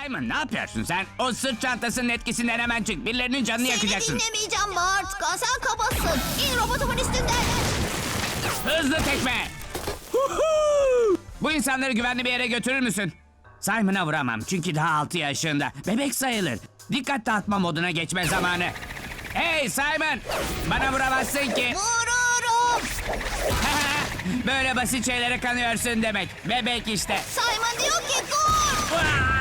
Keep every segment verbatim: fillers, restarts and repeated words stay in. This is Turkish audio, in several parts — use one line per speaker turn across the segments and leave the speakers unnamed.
Simon ne yapıyorsun sen? O sırt çantasının etkisinden hemen çık. Birilerinin canını
Seni
yakacaksın.
dinlemeyeceğim Bart. Sen kabasın. İn robotumun üstünden.
Hızlı tekme. Huhu! Bu insanları güvenli bir yere götürür müsün? Simon'a vuramam çünkü daha altı yaşında. Bebek sayılır. Dikkat dağıtma moduna geçme zamanı. Hey Simon! Bana vuramazsın ki.
Vururum.
Böyle basit şeylere kanıyorsun demek. Bebek işte.
Simon diyor ki dur.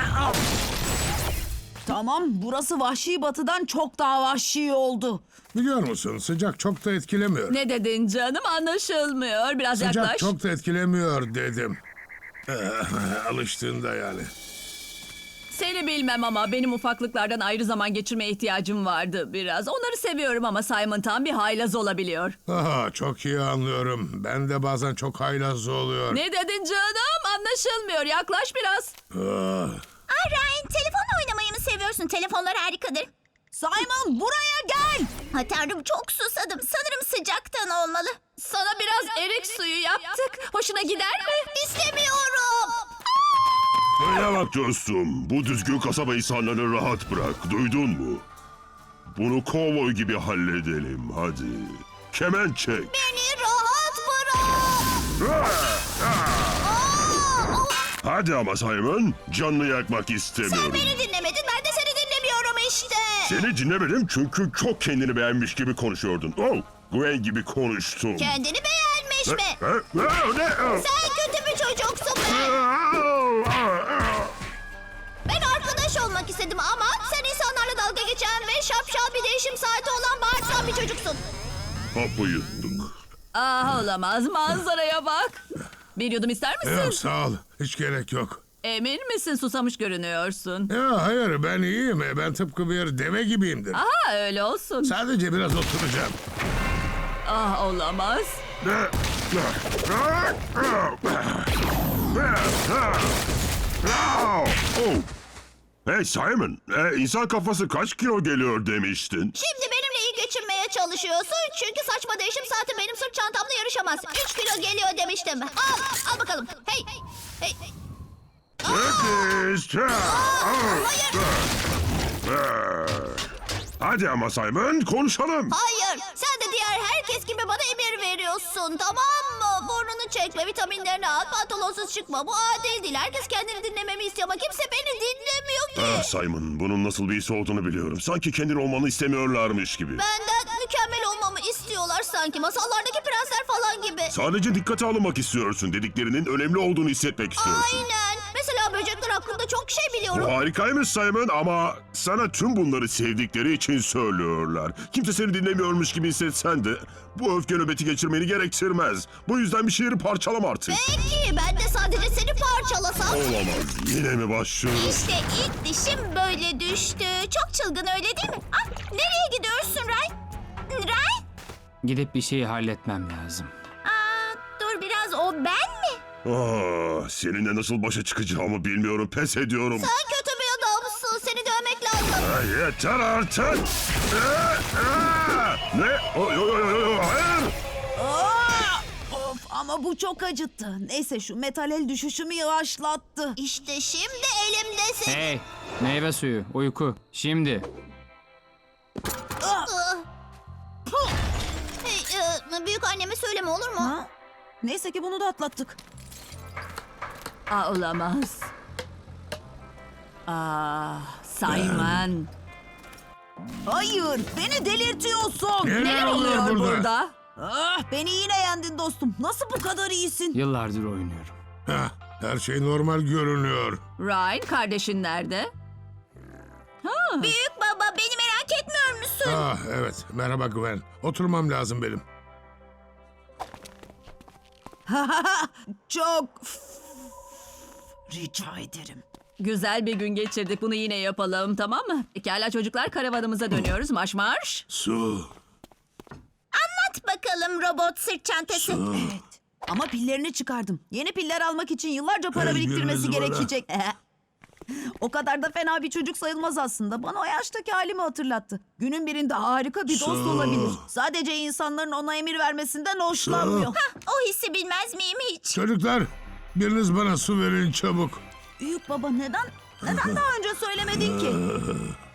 Tamam, burası vahşi batıdan çok daha vahşi oldu.
Biliyor musun sıcak çok da etkilemiyor.
Ne dedin canım? Anlaşılmıyor. Biraz
Sıcak
yaklaş.
çok da etkilemiyor dedim. Eh, Alıştığında yani.
Seni bilmem ama benim ufaklıklardan ayrı zaman geçirmeye ihtiyacım vardı biraz. Onları seviyorum ama Simon tam bir haylaz olabiliyor.
Aha, çok iyi anlıyorum. Ben de bazen çok haylaz oluyor.
Ne dedin canım? Anlaşılmıyor. Yaklaş biraz.
Ah,
Ay Ryan, telefonla oynamayı mı seviyorsun? Telefonlar harikadır.
Simon buraya gel.
Ha tanrım, çok susadım. Sanırım sıcaktan olmalı.
Sana biraz erik suyu yaptık. Hoşuna gider mi?
İstemiyorum.
Bana bak dostum, bu düzgün kasaba insanlarını rahat bırak, duydun mu? Bunu kovboy gibi halledelim, hadi. Kemen çek.
Beni rahat bırak.
Hadi ama Simon, canını yakmak
Sen
istemiyorum.
beni dinlemedin, ben de seni dinlemiyorum işte.
Seni dinlemedim çünkü çok kendini beğenmiş gibi konuşuyordun. Oh, Gwen gibi konuştum.
Kendini beğenmiş mi?
Ha, ha, ne?
Sen kötü bir çocuksun be. Ben arkadaş olmak istedim ama sen insanlarla dalga geçen ve şapşal bir değişim saati olan bağırsan bir çocuksun.
Hapı yuttuk.
Ah olamaz. Manzaraya bak. Bir yudum ister misin?
yok sağ ol. Hiç gerek yok.
Emin misin? Susamış görünüyorsun.
Ya hayır ben iyiyim. Ben tıpkı bir deve gibiyimdir.
Aha öyle olsun.
Sadece biraz oturacağım.
Ah olamaz.
Oh. Hey Simon, e, insan kafası kaç kilo geliyor demiştin?
Şimdi benimle iyi geçinmeye çalışıyorsun çünkü saçma değişim saati benim sırt çantamla yarışamaz. Üç kilo geliyor demiştim. Al, al bakalım. Hey, hey.
Sekiz.
Hayır,
Hadi ama Simon, konuşalım.
hayır. Sen de diğer herkes gibi bana emir veriyorsun, tamam mı? Burnunu çekme, vitaminlerini al, pantolonsuz çıkma. Bu adil değil. Herkes kendini dinlememi istiyor ama kimse beni dinlemiyor
Ah
ki.
Simon, bunun nasıl bir his olduğunu biliyorum. Sanki kendin olmanı istemiyorlarmış gibi.
Benden mükemmel olmamı istiyorlar sanki. Masallardaki prensler falan gibi.
Sadece dikkate alınmak istiyorsun. Dediklerinin önemli olduğunu hissetmek istiyorsun.
Aynen. Mesela böcekler hakkında çok şey
Bu
biliyorum.
harikaymış Simon ama sana tüm bunları sevdikleri için söylüyorlar. Kimse seni dinlemiyormuş gibi hissetsen de bu öfke nöbeti geçirmeni gerektirmez. Bu yüzden bir şiiri parçalama artık.
Peki ben de sadece seni parçalasam.
Olamaz. Yine mi başlıyoruz?
İşte ilk dişim böyle düştü. Çok çılgın öyle değil mi? Ah, nereye gidiyorsun Ray? Ray?
Gidip bir şeyi halletmem lazım.
Aa, dur biraz, o ben mi?
Ah, seninle nasıl başa çıkacağımı bilmiyorum. Pes ediyorum.
Sen kötü bir adamsın. Seni dövmek lazım.
Ah, yeter artık. Ah, ah! Ne? Oh, yo, yo, yo, yo, hayır.
Aa! Of ama bu çok acıttı. Neyse şu metal el düşüşümü yavaşlattı.
İşte şimdi elimdesin.
Hey, meyve suyu, uyku. Şimdi.
Ah. Hey, e, büyük anneme söyleme olur mu?
Ha? Neyse ki bunu da atlattık. Aa olamaz. Ah Simon. Hayır beni delirtiyorsun.
Neler
Neler
oluyor
oluyor
burada?
burada? Ah, beni yine yendin dostum. Nasıl bu kadar iyisin?
Yıllardır oynuyorum.
Heh, her şey normal görünüyor.
Ryan kardeşin nerede?
Büyük baba, beni merak etmiyor musun?
Ah evet merhaba Gwen. Oturmam lazım benim.
Çok rica ederim. Güzel bir gün geçirdik. Bunu yine yapalım, tamam mı? Pekala çocuklar, karavanımıza dönüyoruz. Marş marş.
Su.
At bakalım robot sırt çantası.
Evet. Ama pillerini çıkardım. Yeni piller almak için yıllarca para
Hey,
biriktirmesi
gününüz bana.
gerekecek. O kadar da fena bir çocuk sayılmaz aslında. Bana o yaştaki halimi hatırlattı. Günün birinde harika bir dost
Su.
olabilir. Sadece insanların ona emir vermesinden hoşlanmıyor.
Su.
Hah, o hissi bilmez miyim hiç?
Çocuklar biriniz bana su verin çabuk.
Büyük baba neden?
Neden daha önce söylemedin ki?